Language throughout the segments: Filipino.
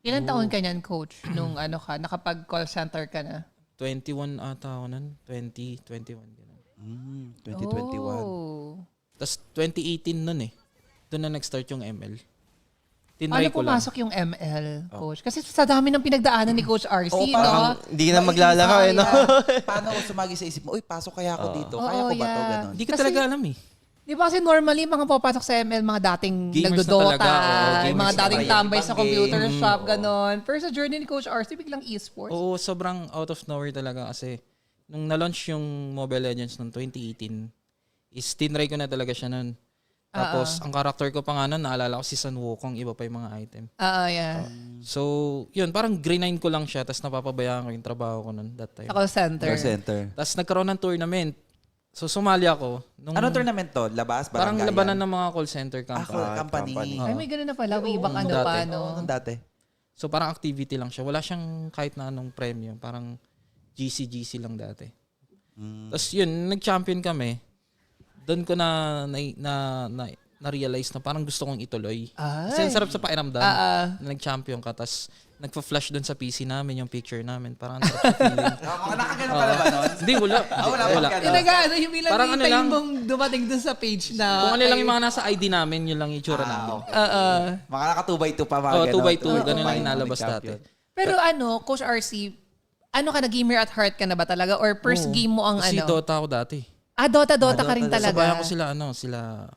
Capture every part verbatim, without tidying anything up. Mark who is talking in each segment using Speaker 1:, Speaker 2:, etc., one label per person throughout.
Speaker 1: Ilan taon ka niyan, coach, nung ano ka, nakapag-call center ka na?
Speaker 2: twenty-one ata ako nun. twenty, twenty-one. Ganun.
Speaker 3: Mm, twenty twenty-one.
Speaker 1: Oh.
Speaker 2: Tapos twenty eighteen nun eh. Doon na nag-start yung M L.
Speaker 1: Paano
Speaker 2: Tinry ko lang.
Speaker 1: pumasok yung M L, coach? Kasi sa dami ng pinagdaanan ni Coach R C,
Speaker 3: Oo,
Speaker 1: no?
Speaker 3: parang
Speaker 4: Hindi ka na maglalaro eh, no?
Speaker 3: Paano ko sumagi sa isip mo, uy, pasok kaya ako dito?
Speaker 1: Oo,
Speaker 3: Kaya ko ba to?
Speaker 1: yeah.
Speaker 3: Ganon.
Speaker 2: Hindi ko
Speaker 1: Kasi-
Speaker 2: talaga alam eh.
Speaker 1: Di ba kasi normally, mga papasok sa M L, mga dating
Speaker 2: Gamers na
Speaker 1: nagdodota,
Speaker 2: talaga, oo,
Speaker 1: yung
Speaker 2: gamers
Speaker 1: mga
Speaker 2: na
Speaker 1: dating
Speaker 3: talaga.
Speaker 1: tambay sa
Speaker 3: Ibang
Speaker 1: computer
Speaker 3: game.
Speaker 1: shop,
Speaker 3: Oo.
Speaker 1: ganon. Pero sa journey ni Coach R C, biglang esports.
Speaker 2: Oo, sobrang out of nowhere talaga kasi nung na-launch yung Mobile Legends noong twenty eighteen, is tinry ko na talaga siya nun. Tapos, ang character ko pa nga nun, naalala ko si Sun Wukong, iba pa yung mga item.
Speaker 1: Oo, yeah.
Speaker 2: So, yun, parang green ko lang siya, tapos napapabayaan ko yung trabaho ko nun that time.
Speaker 1: Sa call center.
Speaker 3: Call center.
Speaker 2: Tapos nagkaroon ng tournament. So, sumali ako. Nung,
Speaker 3: Anong tournament to? Labas?
Speaker 2: Parang
Speaker 3: Baranggayan?
Speaker 2: labanan ng mga call center
Speaker 3: Ah,
Speaker 2: company.
Speaker 3: call- company.
Speaker 4: company.
Speaker 1: Ay, may ganun na pala. Way back ano
Speaker 2: dati.
Speaker 1: pa, no?
Speaker 3: Oo, nung dati.
Speaker 2: So, parang activity lang siya. Wala siyang kahit na anong premium. Parang G C G C lang dati.
Speaker 3: Mm.
Speaker 2: Tapos yun, nag-champion kami. Doon ko na na, na, na na-realize na parang gusto kong ituloy.
Speaker 1: Ay.
Speaker 2: Kasi ang sarap sa pakiramdam
Speaker 1: Ah, ah.
Speaker 2: na nag-champion ka. Tapos nagpa-flash doon sa P C namin yung picture namin. Parang ang sarap sa feeling.
Speaker 3: Mga nakagano ka na ba nun?
Speaker 2: Hindi, wala.
Speaker 3: Ah, wala
Speaker 2: Hindi,
Speaker 3: pa
Speaker 2: wala.
Speaker 3: ka
Speaker 1: Yung nag-ano, yung ilang
Speaker 2: Parang ano
Speaker 1: kita
Speaker 2: lang.
Speaker 1: yung mong dumating dun sa page na...
Speaker 2: Kung ano lang
Speaker 1: ay-
Speaker 2: yung mga nasa I D namin, yun lang yung itsura namin.
Speaker 1: Oo.
Speaker 3: Mga naka two by two pa mga
Speaker 2: Oh,
Speaker 3: ganon.
Speaker 2: two by two.
Speaker 3: two by
Speaker 2: Ganun lang
Speaker 3: two,
Speaker 2: inalabas
Speaker 3: nag-champion.
Speaker 2: dati.
Speaker 1: Pero ano, Coach R C, ano ka na, gamer at heart ka na ba talaga? Or first
Speaker 2: Oo.
Speaker 1: game mo ang
Speaker 2: Kasi
Speaker 1: ano?
Speaker 2: Dota ako dati.
Speaker 1: Ah, Dota, Dota ka rin
Speaker 3: Dota,
Speaker 1: talaga.
Speaker 2: Sabayan ko sila, ano, sila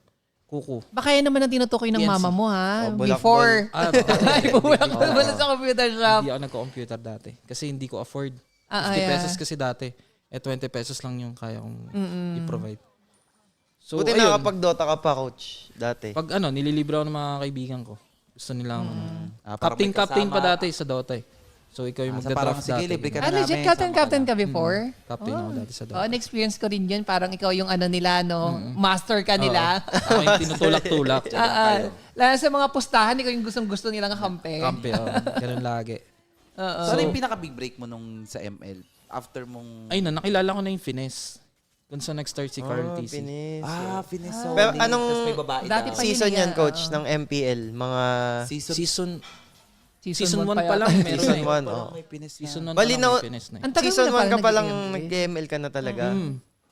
Speaker 2: Kuku.
Speaker 1: Baka yan naman ang tinutukoy ng
Speaker 2: P N C.
Speaker 1: mama mo, ha?
Speaker 4: Oh, bulak-
Speaker 1: Before.
Speaker 2: Ah,
Speaker 1: Ay, bumulak ka naman sa computer shop.
Speaker 2: Hindi ako nagko-computer dati. Kasi hindi ko afford.
Speaker 1: Ah, ah,
Speaker 2: fifty
Speaker 1: yeah.
Speaker 2: pesos kasi dati. Eh, twenty pesos lang yung kaya kong i-provide. So,
Speaker 4: Buti
Speaker 2: ayun.
Speaker 4: nakapag-Dota ka pa, coach, dati.
Speaker 2: Pag ano, nililibre ako ng mga kaibigan ko. Gusto nilang,
Speaker 3: Ah, parang
Speaker 2: captain,
Speaker 3: may
Speaker 2: captain pa
Speaker 3: kasama.
Speaker 2: dati sa Dota eh. So, ikaw yung
Speaker 3: Ah, sa parang,
Speaker 2: magda-draft
Speaker 3: sige,
Speaker 2: dati.
Speaker 3: libre ka
Speaker 1: Ah,
Speaker 3: na
Speaker 1: legit
Speaker 3: namin,
Speaker 1: captain,
Speaker 3: sama ka
Speaker 1: captain
Speaker 3: na.
Speaker 1: ka before?
Speaker 2: Captain ako dati sa
Speaker 1: Oh,
Speaker 2: Dota.
Speaker 1: na-experience ko rin yun. Parang ikaw yung ano nila, no? Master ka nila.
Speaker 2: Ako yung tinutulak-tulak.
Speaker 1: Ah, ah. Lalo sa mga pustahan, ikaw yung gustong-gusto nilang kampe.
Speaker 2: Kampi, oh. Ganun lagi.
Speaker 3: So, ano yung pinaka-big break mo nung sa M L? After mong...
Speaker 2: Ayun na, nakilala ko na yung finesse. Kung saan nag-start si Carl
Speaker 4: Ah,
Speaker 2: T C.
Speaker 4: pinis.
Speaker 3: Ah, Fineso.
Speaker 4: Pero anong
Speaker 3: Tapos may babae
Speaker 1: Dati
Speaker 3: daw.
Speaker 1: pa-
Speaker 4: season
Speaker 1: yun
Speaker 4: yan,
Speaker 1: nga,
Speaker 4: coach,
Speaker 1: oo.
Speaker 4: ng M P L? Mga
Speaker 3: Season,
Speaker 2: Season,
Speaker 1: Season,
Speaker 2: season
Speaker 1: one
Speaker 2: one pa lang.
Speaker 1: yata.
Speaker 2: Meron
Speaker 4: season
Speaker 2: eh.
Speaker 4: one,
Speaker 3: parang
Speaker 4: oh.
Speaker 3: may Pines
Speaker 2: Season
Speaker 3: na.
Speaker 2: one pa
Speaker 4: Bali
Speaker 2: lang
Speaker 4: na-
Speaker 2: may finesse na eh.
Speaker 1: Ang tagal
Speaker 4: Season
Speaker 1: mo na
Speaker 4: one ka
Speaker 1: pala
Speaker 4: pa lang
Speaker 1: nag-M L.
Speaker 4: nag-M L ka na talaga.
Speaker 2: Mm.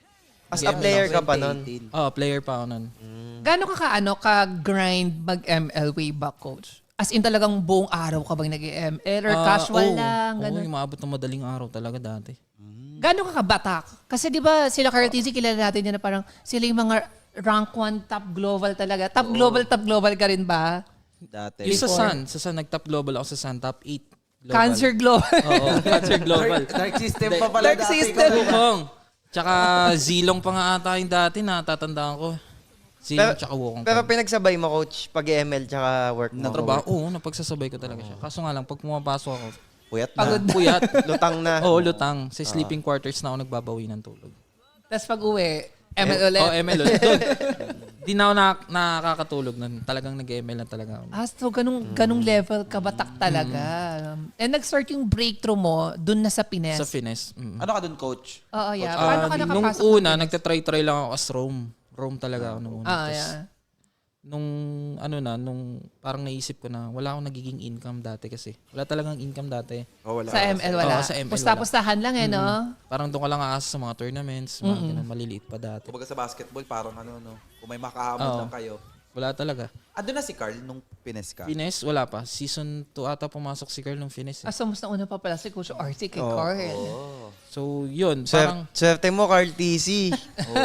Speaker 4: As a
Speaker 2: Nag-M L
Speaker 4: player
Speaker 2: ako.
Speaker 4: ka pa nun.
Speaker 3: twenty eighteen.
Speaker 2: Oh, player pa ako nun.
Speaker 1: Gano'n ka ka-ano, ka-grind mag-M L way back, coach? As in talagang buong araw ka bang nag-M L? Or
Speaker 2: Ah,
Speaker 1: casual
Speaker 2: oo.
Speaker 1: lang?
Speaker 2: Oo,
Speaker 1: Gano'n?
Speaker 2: yung maabot ng madaling araw talaga dati.
Speaker 1: Gano'n ka kabatak? Kasi di ba sila Carl T Z, kilala natin yan na parang sila yung mga rank one top global talaga. Top global, top global ka rin ba?
Speaker 3: Dati.
Speaker 2: Yung sa
Speaker 1: Before.
Speaker 2: Sun, sa Sun, nag-top global ako sa Sun, top eight global.
Speaker 1: Cancer global.
Speaker 2: Oo, Cancer Global.
Speaker 3: Dark system pa pala
Speaker 1: Dark
Speaker 3: dati.
Speaker 1: system.
Speaker 2: Wukong. Tsaka Zilong pa nga ata yung dati, natatandaan ko. Zilong
Speaker 4: Pero-
Speaker 2: tsaka Wukong.
Speaker 4: Pero
Speaker 2: pa.
Speaker 4: pinagsabay mo, coach, pag-M L tsaka work mo.
Speaker 2: Natrabaho, oo, napagsasabay ko talaga siya. Kaso nga lang, pag pumapasok ako,
Speaker 3: Puyat na.
Speaker 1: Pagod na.
Speaker 2: puyat.
Speaker 4: Lutang na.
Speaker 2: Oo, lutang. Sa sleeping quarters na ako nagbabawi ng tulog.
Speaker 1: Tapos pag uwi, M L ulit.
Speaker 2: Oh, M L ulit. Doon. Di na ako na, nakakatulog nun. Talagang nag-M L na talaga ako.
Speaker 1: Ah, so ganung, ganung level kabatak talaga. And nag-start yung breakthrough mo dun na sa Pines.
Speaker 2: Sa finesse. Mm.
Speaker 3: Ano ka dun, coach?
Speaker 1: Oo, yeah.
Speaker 2: Ah,
Speaker 1: Paano ka
Speaker 2: nung
Speaker 1: nakapasok?
Speaker 2: una,
Speaker 1: ng Pines?
Speaker 2: nagtatry-try lang ako as Rome. Rome talaga ako nung una.
Speaker 1: Ah,
Speaker 2: Tas
Speaker 1: yeah.
Speaker 2: Nung ano na, nung parang naisip ko na wala akong nagiging income dati kasi. Wala talagang income dati.
Speaker 3: Oh, wala.
Speaker 1: Sa M L wala.
Speaker 2: Oo, sa M L
Speaker 1: Pusta-pustahan lang eh, no?
Speaker 2: Parang doon ka lang aasa sa mga tournaments, mga ganun, maliliit pa dati.
Speaker 3: Kumbaga sa basketball, parang ano, no? Kung may makahamon
Speaker 2: Oo.
Speaker 3: lang kayo.
Speaker 2: Wala talaga.
Speaker 3: Ando na si Carl nung Pines ka.
Speaker 2: Finesse, wala pa. Season two ata pumasok si Carl ng finesse.
Speaker 1: Ah, so mas nauna pa pala si Coach R C kay
Speaker 4: Oo.
Speaker 1: Carl.
Speaker 3: Oh.
Speaker 2: So, yun.
Speaker 4: Swer-
Speaker 2: Parang,
Speaker 4: Swerte mo, Carl T C.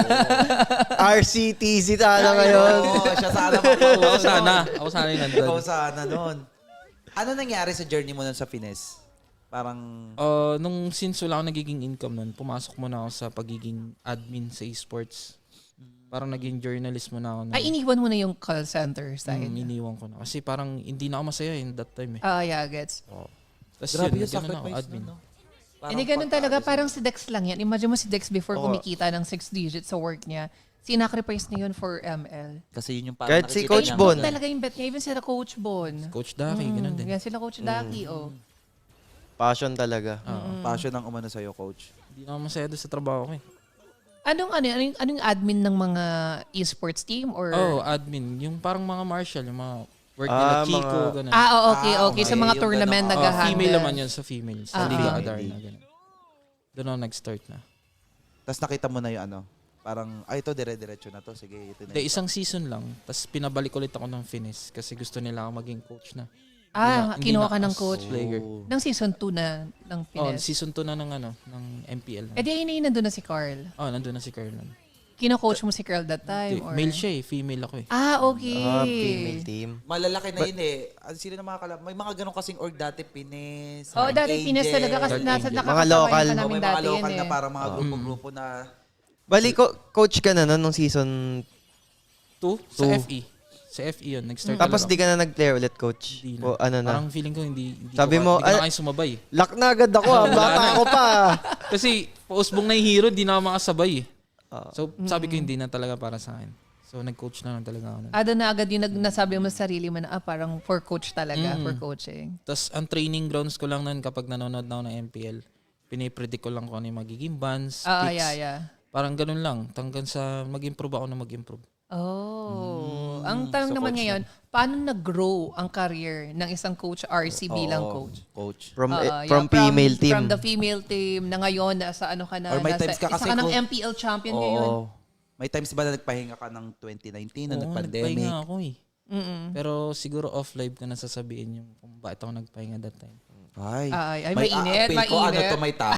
Speaker 4: R C T C tala ngayon.
Speaker 3: Oo, siya sana
Speaker 2: ako
Speaker 3: makausap.
Speaker 2: sana. Ako sana yung nandun.
Speaker 3: Ikaw sana nun. Ano nangyari sa journey mo nun sa Pines? Parang...
Speaker 2: Uh, nung since wala akong nagiging income nun, pumasok muna ako sa pagiging admin sa esports. Parang naging journalist muna ako. nun.
Speaker 1: Ay, iniwan mo na yung call center side.
Speaker 2: Hmm, iniwan ko na. Kasi parang hindi na ako masaya in that time eh.
Speaker 1: Ah, yeah, gets.
Speaker 2: Tapos
Speaker 3: Grabe
Speaker 2: yun,
Speaker 3: yung
Speaker 2: ganun ako,
Speaker 3: sacrifice
Speaker 2: admin.
Speaker 3: nun, no? Parang
Speaker 1: Hindi ganun
Speaker 3: pagka-
Speaker 1: talaga. Parang si Dex lang yan. Imagine mo si Dex before
Speaker 4: Oo.
Speaker 1: kumikita ng six digits sa work niya. Sinacrifice niya yun for M L.
Speaker 3: Kasi yun yung parang
Speaker 4: Kahit si
Speaker 3: nakikita
Speaker 4: Coach
Speaker 3: niya
Speaker 4: Bon.
Speaker 3: na-
Speaker 1: Talaga yung bet niya. Even sila Coach Bon.
Speaker 2: Coach Daki, ganun din.
Speaker 1: Yan sila Coach Daki, oh.
Speaker 4: Passion talaga.
Speaker 3: Oo, passion ang umano sa'yo, coach.
Speaker 2: Hindi na ako masaya doon sa trabaho ko eh.
Speaker 1: Anong ano, anong, anong admin ng mga esports team or
Speaker 2: Oh, admin. Yung parang mga martial, yung mga Work
Speaker 4: Ah,
Speaker 2: nila Kiko,
Speaker 4: mga-
Speaker 2: ganun.
Speaker 1: Ah, oh, okay,
Speaker 3: Ah,
Speaker 1: okay. Sa
Speaker 3: okay.
Speaker 1: mga
Speaker 3: Yung
Speaker 1: tournament
Speaker 3: ganun.
Speaker 2: Oh,
Speaker 1: nag-handle.
Speaker 2: female naman yun sa female. Sa
Speaker 1: Ah,
Speaker 2: Liga
Speaker 1: ah.
Speaker 2: Adarna. Ganun. Doon ako nag-start na.
Speaker 3: Tapos nakita mo na yung ano, parang, ay, ito, dire-diretso na to. Sige, ito na.
Speaker 2: De, isang season lang. Tapos pinabalik ulit ako ng Finis kasi gusto nila ako maging coach na.
Speaker 1: Ah,
Speaker 2: Hindi na-
Speaker 1: kinuha
Speaker 2: hindi
Speaker 1: ka
Speaker 2: na
Speaker 1: ng
Speaker 2: as
Speaker 1: coach.
Speaker 2: Player.
Speaker 1: Ng season two na ng
Speaker 2: Oh,
Speaker 1: Pines.
Speaker 2: season two na ng ano, ng M P L.
Speaker 1: Eh di ayun na yun, nandun na si Carl.
Speaker 2: Oh, nandun na si Carlon.
Speaker 1: Kino-coach mo si Carl that time? Or?
Speaker 2: Male siya eh, female ako eh.
Speaker 1: Ah, okay.
Speaker 4: Ah, female team.
Speaker 3: Malalaki na yun eh. Ano sila na mga kalab? May mga ganun kasing org dati, Pines.
Speaker 1: Oh,
Speaker 3: Dark
Speaker 1: dati Pines
Speaker 3: Angel.
Speaker 1: talaga kasi
Speaker 2: Dark
Speaker 1: nasa
Speaker 2: Angel.
Speaker 1: nakakasabay
Speaker 4: Mga local.
Speaker 1: pa
Speaker 3: Oh,
Speaker 1: namin
Speaker 3: may mga
Speaker 1: dati
Speaker 3: local
Speaker 1: yun
Speaker 3: na
Speaker 1: eh.
Speaker 3: parang mga grupo-grupo na.
Speaker 4: Bali, ko, coach ka na nun nung season.
Speaker 2: Two? Sa
Speaker 4: Two.
Speaker 2: F E. Sa F E yun, nag-start
Speaker 4: Tapos
Speaker 2: talaga
Speaker 4: di ka na nag-player ulit, coach.
Speaker 2: Hindi na.
Speaker 4: O ano na.
Speaker 2: Parang feeling ko hindi, hindi
Speaker 4: Sabi
Speaker 2: ko,
Speaker 4: mo,
Speaker 2: hindi ko
Speaker 4: ay-
Speaker 2: na kayo sumabay.
Speaker 4: Lock na agad ako ah. Bata ako pa.
Speaker 2: Kasi pausbong na yung hero, di na ako makasabay eh.
Speaker 4: Ah.
Speaker 2: So sabi ko hindi na talaga para sa akin. So nag-coach na lang talaga ako. nun.
Speaker 1: Ah, doon na agad yung nag- nasabi mo sa sarili mo na ah, parang for coach talaga,
Speaker 2: Mm.
Speaker 1: for coaching.
Speaker 2: Tapos ang training grounds ko lang nun kapag nanonood na ako ng M P L, pinipredict ko lang kung ano yung magiging bans,
Speaker 1: Ah,
Speaker 2: picks.
Speaker 1: yeah, yeah.
Speaker 2: Parang ganun lang. Hanggang sa mag-improve ako na mag-improve.
Speaker 1: Oh. Ang tanong
Speaker 3: so
Speaker 1: naman
Speaker 3: coach
Speaker 1: ngayon, paano nag-grow ang career ng isang coach R C bilang
Speaker 3: Oo,
Speaker 1: coach?
Speaker 3: Coach.
Speaker 4: From,
Speaker 1: Oo,
Speaker 4: eh,
Speaker 1: yeah,
Speaker 4: from female team.
Speaker 1: From the female team na ngayon, nasa ano ka na,
Speaker 3: Or may
Speaker 1: nasa,
Speaker 3: times ka
Speaker 1: isa
Speaker 3: kasi
Speaker 1: ka ng
Speaker 3: kung-
Speaker 1: M P L champion ngayon.
Speaker 3: Oo. May times ba na nagpahinga ka ng twenty nineteen na
Speaker 2: Oo,
Speaker 3: nag-pandemic?
Speaker 2: nagpahinga ako eh.
Speaker 1: Mm-mm.
Speaker 2: Pero siguro off-live ko na sasabihin yung kung bakit ako nagpahinga that time.
Speaker 3: Ay,
Speaker 1: Ay, ay,
Speaker 3: may
Speaker 1: mainit,
Speaker 3: aapil ko, ano
Speaker 1: mainit.
Speaker 3: to, may ta-